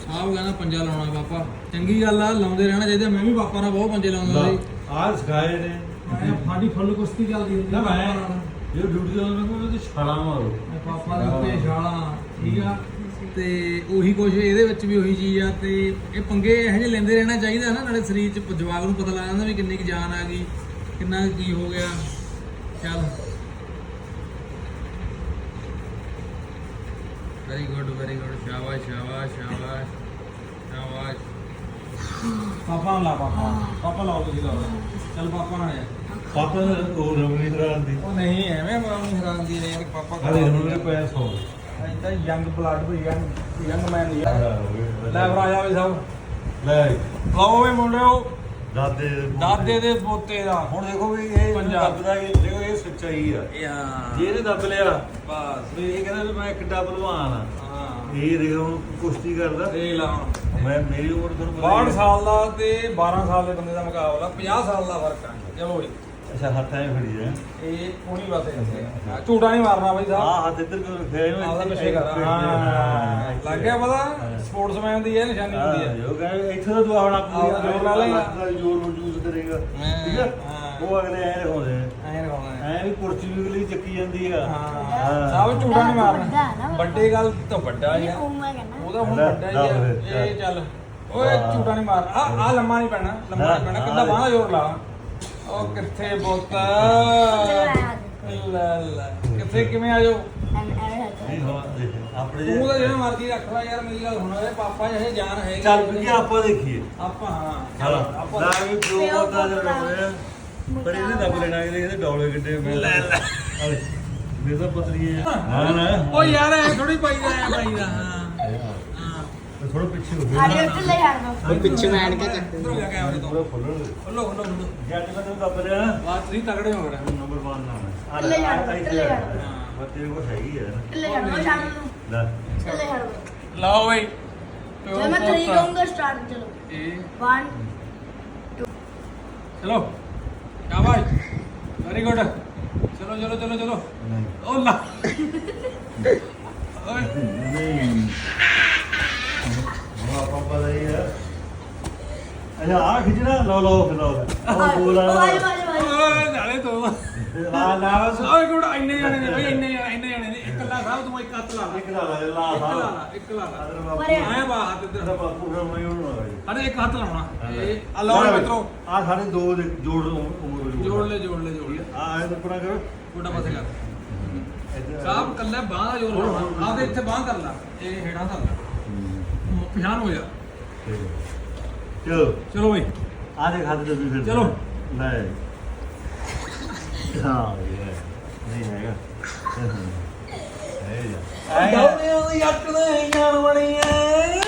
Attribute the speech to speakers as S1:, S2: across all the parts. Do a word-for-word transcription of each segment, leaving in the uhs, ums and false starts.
S1: ਆਪ ਕਹਿੰਦਾ ਪੰਜਾ ਲਾਉਣਾ ਪਾਪਾ, ਚੰਗੀ ਗੱਲ ਆ, ਲਾਉਂਦੇ ਰਹਿਣਾ ਚਾਹੀਦਾ। ਮੈਂ ਵੀ ਪਾਪਾ ਨਾਲ ਬਹੁਤ ਪੰਜੇ ਲਾਉਂਦਾ ਸੀ।
S2: ਆਹ ਸਿਖਾਏ ਨੇ
S1: ਮੈਂ ਸਾਡੀ ਫੁੱਲ ਕੁਸ਼ਤੀ ਚੱਲਦੀ ਹੁੰਦੀ
S2: ਨਾ ਮੈਂ ਜੇ ਡਿਊਟੀ ਤੋਂ ਆਉਂਦਾ ਮੈਂ ਉਹਦੇ ਛਾਲਾਂ ਮਾਰੋ
S1: ਪਾਪਾ ਦੇ ਉੱਤੇ ਛਾਲਾਂ, ਠੀਕ ਆ। ਤੇ ਉਹੀ ਕੁਛ ਇਹਦੇ ਵਿੱਚ ਵੀ ਉਹੀ ਚੀਜ਼ ਆ। ਤੇ ਇਹ ਪੰਗੇ ਇਹੋ ਜਿਹੇ ਲੈਂਦੇ ਰਹਿਣਾ ਚਾਹੀਦਾ ਨਾ, ਨਾਲੇ ਸਰੀਰ 'ਚ ਜਵਾਕ ਨੂੰ ਪਤਾ ਲੱਗ ਜਾਂਦਾ ਵੀ ਕਿੰਨੀ ਕੁ ਜਾਨ ਆ ਗਈ, ਕਿੰਨਾ ਕੀ ਹੋ ਗਿਆ। ਚੱਲ ਵੈਰੀ ਗੁੱਡ ਵੈਰੀ ਗੁੱਡ, ਸ਼ਾਬਾਸ਼ ਸ਼ਾਬਾਸ਼ ਸ਼ਾਬਾਸ਼ ਸ਼ਾਬਾਸ਼। ਪਾਪਾ ਨਾਲ ਲਾ, ਪਾਪਾ ਪਾਪਾ ਲਾਓ, ਤੁਸੀਂ ਲਾਓ। ਚੱਲ ਪਾਪਾ ਨਾਲ ਆ।
S2: ਪਾਪਾ ਉਹ ਰਮਣੀ ਹਰਾਨ ਦੀ
S1: ਉਹ ਨਹੀਂ ਐਵੇਂ ਮਾਮੂ ਹੈਰਾਨ ਦੀ ਨੇ ਯਾਰ, ਪਾਪਾ
S2: ਹਾਲੇ ਰਮਣੀ ਪਿਆ ਸੌ
S1: ਤਾਂ ਯੰਗ ਬਲੱਡ ਵੀ ਯੰਗ ਯੰਗ ਮੈਨ ਦੀ ਆ। ਲੈ ਭਰਾ ਵੀ ਸਭ
S2: ਲੈ
S1: ਲਾਓ ਵੇ ਮੁੰਡਿਓ,
S2: ਦਾਦੇ
S1: ਦਾਦੇ ਦੇ ਪੋਤੇ ਦਾ।
S2: ਹੁਣ ਦੇਖੋ ਵੀ ਇਹ
S1: ਪੰਜਾਬ
S2: ਦੱਬਦਾ ਇਹ ਦੇਖੋ ਇਹ ਸੱਚਾਈ ਆ।
S1: ਇਹ ਹਾਂ
S2: ਜੇ ਇਹਨੇ ਦੱਬ ਲਿਆ
S1: ਬਸ,
S2: ਵੀ ਇਹ ਕਹਿੰਦਾ ਵੀ ਮੈਂ ਕਿੱਡਾ ਭਲਵਾਨ ਆ।
S1: ਹਾਂ
S2: ਇਹ ਦੇਖੋ ਹੁਣ ਕੁਸ਼ਤੀ ਕਰਦਾ।
S1: ਇਹ ਲਾਉਣ
S2: ਮੈਂ ਮੇਰੀ ਉਮਰ ਤੁਹਾਨੂੰ ਪਤਾ
S1: ਬਾਹਠ
S2: ਹੀ ਆ।
S1: ਸਾਲ ਦਾ ਤੇ ਬਾਰਾਂ ਸਾਲ ਦੇ ਬੰਦੇ ਦਾ ਮੁਕਾਬਲਾ, ਪੰਜਾਹ ਸਾਲ ਦਾ ਫਰਕ ਆ। ਚਲੋ ਜੀ,
S2: ਅੱਛਾ ਹੱਥਾਂ 'ਚ ਫੜੀ ਜਾ
S1: ਇਹ ਕੋਣੀ ਬਾਤ ਹੈ, ਝੂਟਾ ਨਹੀਂ ਮਾਰਨਾ ਬਾਈ ਸਾਹਿਬ।
S2: ਆਹ ਹੱਥ ਇੱਧਰ ਕਿਉਂ ਰੱਖਿਆ ਇਹਨੂੰ?
S1: ਆਪਦਾ ਪਿੱਛੇ ਕਰ। ਹਾਂ ਲੱਗ ਗਿਆ ਪਤਾ, ਸਪੋਰਟਸਮੈਨ ਦੀ ਇਹ ਨਿਸ਼ਾਨੀ ਹੁੰਦੀ ਹੈ।
S2: ਜੋ ਕਹਿੰਦੇ ਇੱਥੇ ਤਾਂ ਤੂੰ ਆਪਣਾ
S1: ਆਪਦਾ ਜ਼ੋਰ ਲਾ ਲਏਗਾ।
S2: ਆਪਦਾ ਜ਼ੋਰ ਨੂੰ ਯੂਜ਼ ਕਰੇਗਾ, ਠੀਕ ਆ।
S1: ਹਾਂ।
S2: ਉਹ ਅਗਲੇ ਐ ਦਿਖਾਉਂਦੇ ਨੇ
S1: ਐਂ ਰਖਾਉਣਾ
S2: ਐ ਵੀ ਕੁਰਸੀ ਵੀ ਅਗਲੀ ਚੱਕੀ ਜਾਂਦੀ ਆ।
S1: ਹਾਂ ਸਭ ਝੂਟਾ ਨਹੀਂ ਮਾਰਨਾ। ਵੱਡੇ ਗੱਲ ਤਾਂ ਵੱਡਾ ਹੀ ਆ, ਉਹਦਾ ਹੁਣ ਵੱਡਾ ਹੀ ਆ। ਇਹ ਚੱਲ ਓਏ ਝੂਟਾ ਨਹੀਂ ਮਾਰਨਾ। ਆ ਆ ਲੰਮਾ ਨਹੀਂ ਪੈਣਾ, ਲੰਮਾ ਨਹੀਂ ਪੈਣਾ। ਕਿੱਦਾਂ ਬਾਹਾਂ ਜ਼ੋਰ ਲਾ। ਉਹ ਕਿੱਥੇ ਬੁੱਤ ਲੈ ਲੈ ਕਿੱਥੇ ਕਿਵੇਂ ਆ ਜਾਓ।
S2: ਨਹੀਂ ਹੋ ਆਪਣੇ ਜੇ-
S1: ਤੂੰ ਤਾਂ ਜਿਹੜਾ ਮਰਜ਼ੀ ਰੱਖ ਲੈ ਯਾਰ, ਮੇਰੀ ਗੱਲ ਸੁਣ। ਇਹ ਪਾਪਾ ਜਿਹੇ ਜਾਨ ਹੈਗੀ।
S2: ਚੱਲ ਵੀ ਆਪਾਂ ਦੇਖੀਏ।
S1: ਆਪਾਂ ਹਾਂ
S2: ਚਲ
S1: ਆਪਾਂ
S2: ਨਾ ਵੀ ਪਿਓ ਬੋਲਦਾ ਜਰ ਹੋਇਆ ਪਰ ਇਹਨੇ ਦੱਬ ਲੈਣਾ, ਇਹਦੇ ਇਹਦੇ ਡੌਲੇ ਕਿੱਡੇ ਮੈਂ ਲੈ ਲੈ ਮੇਰੇ ਤਾਂ ਪਤਲੀ ਹੈ ਨਾ ਨਾ
S1: ਉਹ ਯਾਰ ਐ ਥੋੜੀ ਪਾਈਦਾ ਐ ਪਾਈਦਾ। ਹਾਂ ਹਾਂ
S2: ਥੋੜਾ ਪਿੱਛੇ ਹੋ ਗਿਆ
S3: ਉਹ ਪਿੱਛੇ ਮੈਂ ਐਨਕਾਂ ਚੱਕ
S1: ਉਧਰੋਂ ਜਾ ਕੇ ਆਵਰੇ ਤੋਂ
S2: ਥੋੜਾ ਫੁੱਲਣ ਦੇ
S1: ਖੋਲੋ ਖੋਲੋ ਖੋਲੋ।
S2: ਜੱਟ ਮੈਂ ਤੈਨੂੰ ਦੱਬ ਲਿਆ ਨਾ
S1: ਬਾਤ ਤੁਸੀਂ ਤਗੜੇ ਹੋ ਗਏ।
S2: ਨੰਬਰ ਇੱਕ ਨਾਮ ਹੈ
S3: ਥੱਲੇ ਜਾਣਾ, ਥੱਲੇ ਜਾਣਾ।
S2: ਹਾਂ ਤੇਰੇ ਕੋਲ ਹੈਗੀ ਹੈ ਨਾ ਲੈ
S1: ਲਾਓ ਬਈ
S3: मैं थ्री कहूंगा स्टार्ट। चलो
S1: ਇਹ
S3: वन
S1: ਚਲੋ ਸ਼ਾਬਾਸ਼ ਵੈਰੀ ਗੁੱਡ। ਚਲੋ ਚਲੋ ਚਲੋ ਚਲੋ।
S2: ਨਹੀਂ
S1: ਉਹ ਲਾ ਓਏ
S2: ਨਹੀਂ ਉਹ ਆਪਾਂ ਪਤਾ ਹੀ ਹੈ। ਅੱਛਾ ਆ ਖਿੱਚਣਾ ਲਓ ਲਓ ਫਿਰ ਲਓ ਉਹ ਬੋਲ ਆ
S3: भाई भाई भाई
S1: ਓਏ ਨਾਲੇ ਤੋਂ
S2: ਆ ਲਾ
S1: ਓਏ ਗੁੱਡ ਇੰਨੇ ਜਾਣੇ ਨੇ ਬਈ, ਇੰਨੇ ਜਾਣੇ ਇੰਨੇ ਜਾਣੇ ਨੇ। ਇਕੱਲਾ ਸਾਹਿਬ ਤੂੰ ਇੱਕ ਹੱਥ ਲਾ ਲਾ,
S2: ਇੱਕ ਲਾ ਲਾ
S1: ਇੱਕ
S2: ਲਾ
S1: ਲਾ
S2: ਲਾ
S1: ਲਾ, ਇੱਕ ਲਾ ਲਾ।
S2: ਅਦਰ ਬਾਪੂ
S1: ਆਇਆ ਬਾ ਹੱਥ
S2: ਤੇਰਾ
S1: ਇੱਧਰ।
S2: ਬਾਪੂ ਫਿਰ ਮੈਂ ਉਹਨੂੰ ਲਾ ਜੀ
S1: ਅਰੇ ਇੱਕ ਹੱਥ ਲਾਉਣਾ। ਇਹ ਆ ਲਓ ਮਿੱਤਰੋ,
S2: ਆ ਸਾਡੇ ਦੋ ਦੇ ਜੋੜ ਉਮਰ
S1: ਜੋੜ ਲੈ ਜੋੜ ਲੈ ਜੋੜ ਲੈ।
S2: ਆ ਐ ਆਪਣਾ ਕਰੋ
S1: ਗੋਡਾ ਪਾਸੇ ਕਰ।
S2: ਇੱਧਰ
S1: ਸਾਹਿਬ ਕੱਲਾ ਬਾਹ ਦਾ ਜੋਰ ਲਾਉਣਾ। ਆਪਦੇ ਇੱਥੇ ਬਾਹ ਕਰ ਲਾ, ਇਹ ਹੇਠਾਂ ਧਰ ਲਾ, ਪਛਾਣ ਹੋ ਜਾ।
S2: ਚਲੋ
S1: ਚਲੋ ਬਈ
S2: ਆ ਦੇ ਖਾਤੇ ਦੇ ਫਿਰ
S1: ਚਲੋ।
S2: ਲੈ ਹਾਂ ਇਹ ਨਹੀਂ ਹੈਗਾ ਹੈ ਜਾ
S1: ਗਾਉਣੇ ਉਹਦੀ ਅੱਟ ਦੇ ਜਾਣ ਬਣੀ ਐ।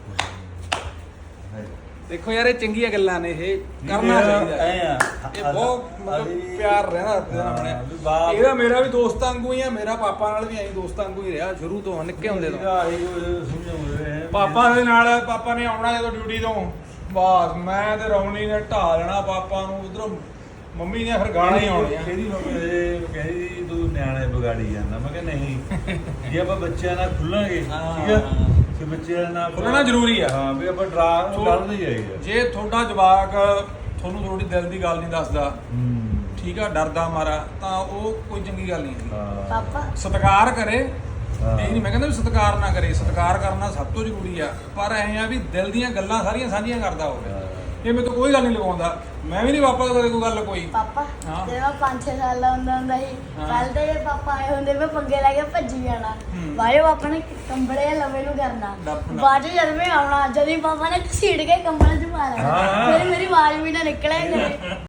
S1: ਦੇਖੋ ਯਾਰ ਇਹ ਚੰਗੀਆਂ ਗੱਲਾਂ ਨੇ, ਇਹ ਕਰਨਾ ਚਾਹੀਦਾ।
S2: ਐ ਆ
S1: ਇਹ ਬਹੁਤ ਮਤਲਬ ਪਿਆਰ ਰਹਿਣਾ ਆਪਣੇ। ਇਹਦਾ ਮੇਰਾ ਵੀ ਦੋਸਤ ਵਾਂਗੂ ਹੀ ਆ, ਮੇਰਾ ਪਾਪਾ ਨਾਲ ਵੀ ਐਂ ਦੋਸਤ ਵਾਂਗੂ ਹੀ ਰਿਹਾ ਸ਼ੁਰੂ ਤੋਂ, ਨਿੱਕੇ ਹੁੰਦੇ ਤੋਂ।
S2: ਸਮਝਾਉਂਦੇ
S1: ਪਾਪਾ ਦੇ ਨਾਲ ਪਾਪਾ ਨੇ ਆਉਣਾ ਜਦੋਂ ਡਿਊਟੀ ਤੋਂ, ਬਸ ਮੈਂ ਤੇ ਰੌਣੀ ਨੇ ਢਾ ਲੈਣਾ ਪਾਪਾ ਨੂੰ। ਉਧਰੋਂ ਮੰਮੀ ਨੇ ਫਿਰ ਗਾਣਾ ਹੀ ਆਉਣੀਆਂ।
S2: ਇਹਦੀ ਮੰਮੀ ਇਹ ਕਹਿੰਦੀ ਤੂੰ ਨਿਆਣੇ ਵਿਗਾੜੀ ਜਾਂਦਾ। ਮੈਂ ਕਿਹਾ ਨਹੀਂ, ਜੇ ਆਪਾਂ ਬੱਚਿਆਂ ਨਾਲ ਖੁੱਲਾਂਗੇ ਠੀਕ ਆ ਕਿ ਬੱਚਿਆਂ ਨਾਲ
S1: ਖੁੱਲਣਾ ਜ਼ਰੂਰੀ ਆ।
S2: ਹਾਂ ਵੀ ਆਪਾਂ ਡਰਾ ਉਹ ਡਰ ਨਹੀਂ ਜਾਏਗਾ।
S1: ਜੇ ਤੁਹਾਡਾ ਜਵਾਕ ਤੁਹਾਨੂੰ ਥੋੜੀ ਦਿਲ ਦੀ ਗੱਲ ਨਹੀਂ ਦੱਸਦਾ, ਠੀਕ ਆ, ਡਰਦਾ ਮਾਰਾ, ਤਾਂ ਉਹ ਕੋਈ ਚੰਗੀ ਗੱਲ ਨਹੀਂ ਹੈਗੀ।
S2: ਹਾਂ
S3: पापा
S1: ਸਤਿਕਾਰ ਕਰੇ,
S2: ਹਾਂ।
S1: ਇਹ ਨਹੀਂ ਮੈਂ ਕਹਿੰਦਾ ਵੀ ਸਤਿਕਾਰ ਨਾ ਕਰੇ, ਸਤਿਕਾਰ ਕਰਨਾ ਸਭ ਤੋਂ ਜ਼ਰੂਰੀ ਆ। ਪਰ ਐਂ ਆ ਵੀ ਦਿਲ ਦੀਆਂ ਗੱਲਾਂ ਸਾਰੀਆਂ ਸਾਂਝੀਆਂ ਕਰਦਾ ਹੋਵੇ। ਇਹ ਮੇਰੇ ਤੋਂ ਕੋਈ ਗੱਲ ਨਹੀਂ ਲਗਾਉਂਦਾ, ਮੈਂ ਵੀ ਨਹੀਂ ਪਾਪਾ ਤੋਂ ਕਦੇ ਕੋਈ ਗੱਲ ਕੋਈ।
S3: पापा
S1: हाँ।
S3: तेरा पाँच छह साल का ਹੁੰਦਾ ਹੁੰਦਾ ਸੀ।
S1: हाँ।
S3: ਪਹਿਲ ਤੇ ਪਾਪਾ ਆਏ ਹੁੰਦੇ ਮੈਂ ਪੰਗੇ ਲੈ ਕੇ ਭੱਜੀ ਜਾਣਾ।
S1: हम्म।
S3: ਬਾਅਦ ਪਾਪਾ ਨੇ ਕੰਬਲੇ ਲਵੇ ਨੂੰ ਕਰਨਾ।
S1: ਡੱਫਣਾ।
S3: ਬਾਅਦ ਚ ਜਦ ਮੈਂ ਆਉਣਾ, ਜਦ ਹੀ ਪਾਪਾ ਨੇ ਘਸੀੜ ਕੇ ਕੰਬਲ ਚ ਪਾ ਲੈਣਾ।
S2: हाँ।
S3: ਫਿਰ ਮੇਰੀ ਆਵਾਜ਼ ਵੀ ਨਾ ਨਿਕਲੇ ਕਰੇ।